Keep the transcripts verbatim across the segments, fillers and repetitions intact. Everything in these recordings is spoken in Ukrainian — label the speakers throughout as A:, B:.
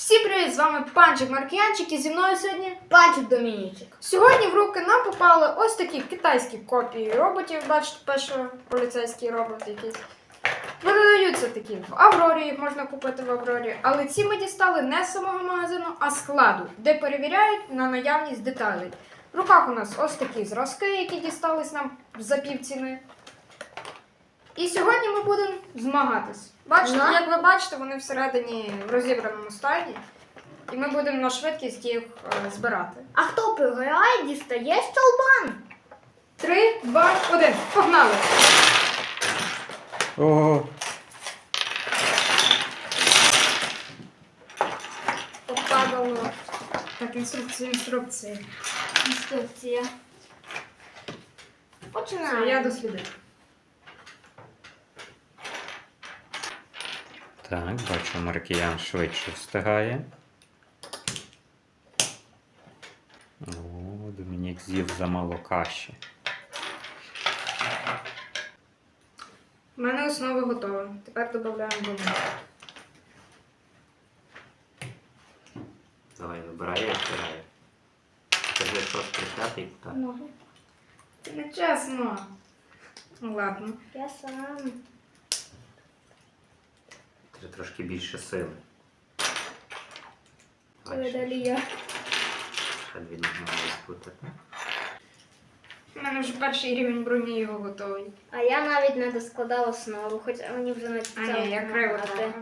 A: Всім привіт! З вами Панчик Маркіянчик і зі мною сьогодні
B: Панчик Домінічик.
A: Сьогодні в руки нам попали ось такі китайські копії роботів. Бачите, перший поліцейський робот якийсь. Продаються такі в Аврорі, їх можна купити в Аврорі. Але ці ми дістали не з самого магазину, а з складу, де перевіряють на наявність деталей. В руках у нас ось такі зразки, які дістались нам за півціни. І сьогодні ми будемо змагатись. Бачите,
B: Ну.
A: як ви бачите, вони всередині в розібраному стані. І ми будемо на швидкість їх е, збирати.
B: А хто програє, дістає щолбан.
A: Три, два, один. Погнали!
C: Ого.
A: Попадало. Так, інструкція, інструкція.
B: Інструкція.
A: Все,
B: Починаємо.
A: я дослідив.
C: Так, бачу, Маркіян швидше встигає. О, Домінік з'їв замало каші.
A: У мене основа готова. Тепер додаємо бомбу.
C: Давай, вибирай, я встигаю. Скажи, що спрятати і так.
B: Ноги.
A: Це не чесно. Ну ладно.
B: Я сам.
C: Треба трошки більше сили.
B: Ой, далі я.
C: Хай він має спутати.
A: У мене вже перший рівень броні його готовий.
B: А я навіть не доскладала основу, хоча мені вже не
A: А ні, я криво трохи.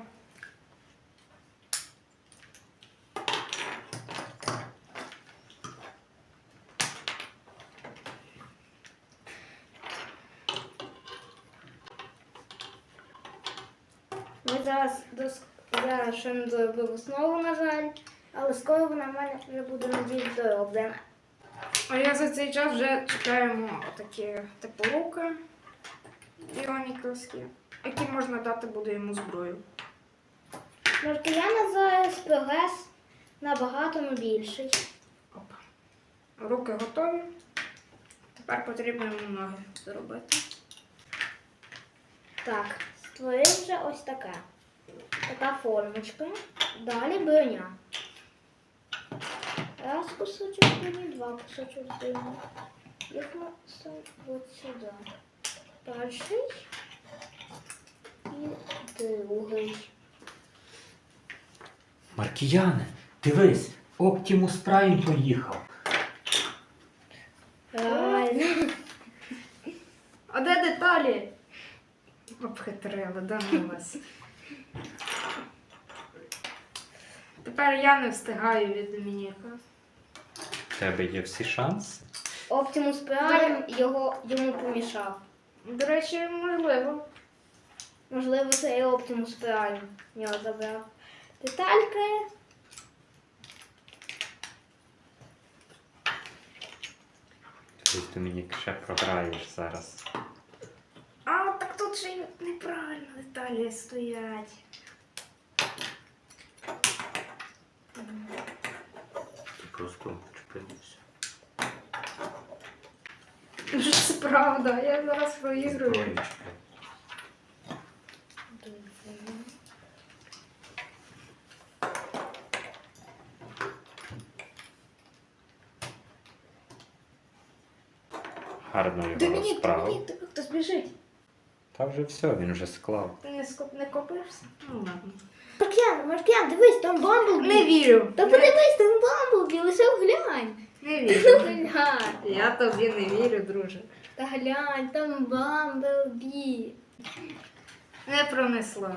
B: Ми зараз дос... зараз ще не доробив основу, на жаль. Але скоро вона в мене вже буде надіюсь дороблена.
A: А я за цей час вже чекаємо такі типу руки біоніковські, які можна дати буде йому зброю.
B: Маркіяна зараз прогрес набагато більший.
A: Опа. Руки готові. Тепер потрібно йому ноги зробити.
B: Так, створив вже ось таке. Така формочка. Далі броня. Раз кусочок броні, два кусочок броні. Їх ми ставимо от сюди. Перший і другий.
C: Маркіяне, дивись, Оптімус Прайм поїхав.
B: Реально.
A: А де деталі? Обхитрили, да ну вас. Тепер я не встигаю від Домініка.
C: В тебе є всі шанси.
B: Оптимус Прайм його йому помішав.
A: До речі, можливо.
B: Можливо, це і Оптимус Прайм його забрав. Детальки.
C: Ти, Домінік, ще програєш зараз.
A: А, так тут ще й неправильно деталі стоять.
C: Ти просто чіпився.
A: Це правда, я зараз проігрую.
C: Троєчка. Гарно його
A: Домінік,
C: розправив.
A: Домінік, тебе хтось біжить.
C: Та вже все, він вже склав.
A: Ти не, скоп... не копишся? Ну ладно.
B: Маркіян, Маркіян, дивись, там Бамблбі.
A: Не вірю.
B: Та
A: Не,
B: подивись, там Бамблбі, лише глянь.
A: не
B: Ну,
A: вірю.
B: глянь.
A: Я тобі не вірю, друже.
B: Та глянь, там Бамблбі.
A: Не пронесло.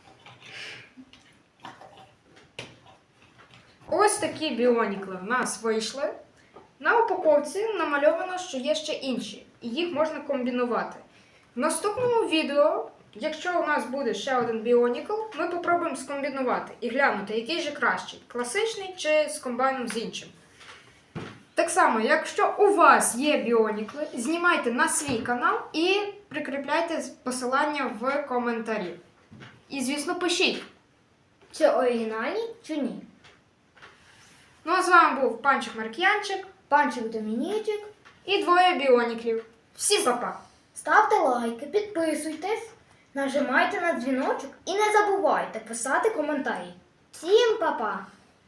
A: Ось такі біонікли в нас вийшли. На упаковці намальовано, що є ще інші, і їх можна комбінувати. В наступному відео, якщо у нас буде ще один біонікл, ми попробуємо скомбінувати і глянути, який же кращий, класичний чи з комбайном з іншим. Так само, якщо у вас є біонікли, знімайте на свій канал і прикріпляйте посилання в коментарі. І, звісно, пишіть.
B: Чи оригінальні, чи ні?
A: Ну а з вами був Панчик Маркіянчик
B: Панчик Домінічик.
A: і двоє біоніклів. Всім па-па!
B: Ставте лайки, підписуйтесь, нажимайте на дзвіночок і не забувайте писати коментарі. Всім па-па!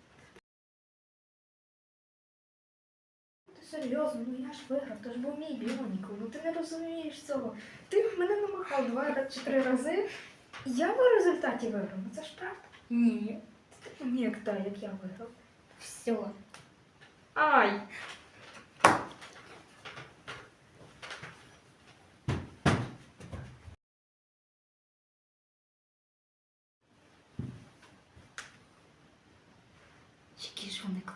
A: Ти серйозно, ну я ж виграв, то ж був мій Біоніку, ну ти не розумієш цього. Ти мене намахав два чи три рази, і я в результаті виграв, ну це ж правда? Ні. Ти мені як та, як я виграв.
B: Все.
A: Ай! Які ж вони класні.